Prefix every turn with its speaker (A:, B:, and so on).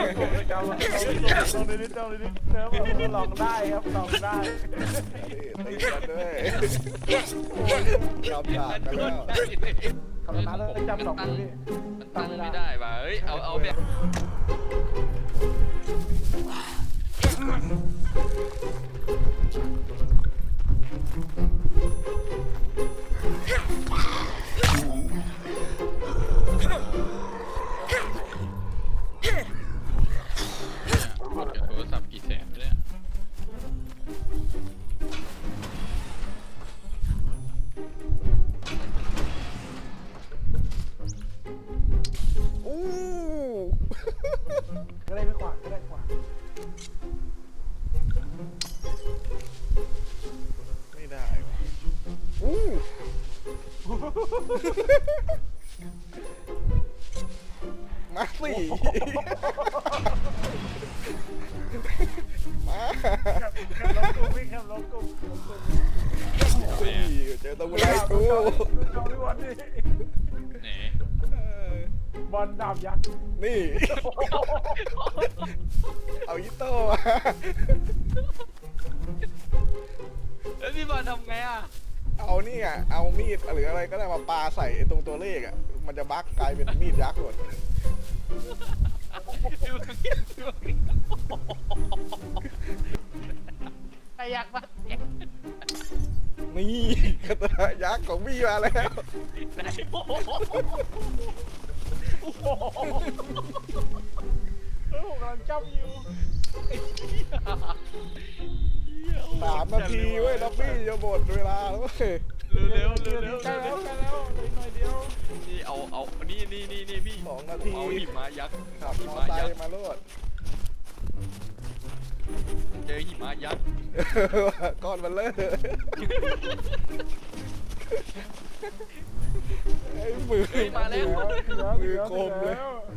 A: จำลองนิดเซิร์ฟลองได้ครับลองได้
B: ตีกันด้วยจำหนักกันแล้ว
A: คำนั้นแล้วจำสองนี่
C: มันตั้งไม่ได้ป่ะเฮ้ยเอาแบบ หมดกับโทรศัพท์กี่แสนเนี่ย
B: อู้
A: ก็ได้ไม่ขวางก็ได้ขวาง
B: ไม่ได้อู้มาสิมา
A: ลงกุ้งวิ่งครับลงกุ้ง
B: เจอตัวไรกู
A: เอาดิวันนี้
C: ไหน
A: บอลดาบยักษ์
B: นี่เอายิโต้มา
C: แล้วพี่บอลทำไงอ่ะ
B: เอานี่อ่ะเอามีดหรืออะไรก็ได้มาปาใส่ตรงตัวเลขอ่ะมันจะบั๊กกลายเป็นมีดยักษ์หมด
C: ไอ้ยักษ์ปะ
B: นี่กระตายักษ์ของพี่มาแล้ว
C: ไหนโอ้โห
A: ผมกำลังจ้ำอยู่
B: 3 นาทีเว้ยล็อบบี้จะหมดเวลาแล้วเว้ย
C: เร็ว
A: ใกล้แล้วใกล้แล้วเลยหน่อยเดียว
C: นี่เอานี่พี่
B: 2 นาที
C: เอาหิมะยักษ์
B: ขับ
C: หิ
B: มอ
C: มะ
B: ไซ
C: ยัก
B: ค์
C: ษ์
B: มาโลด
C: เจอหิมะยักษ์
B: ก้อนมันเลอะไอ้มือ
C: เฮ้ยมาแล้ว
B: มือคมเลย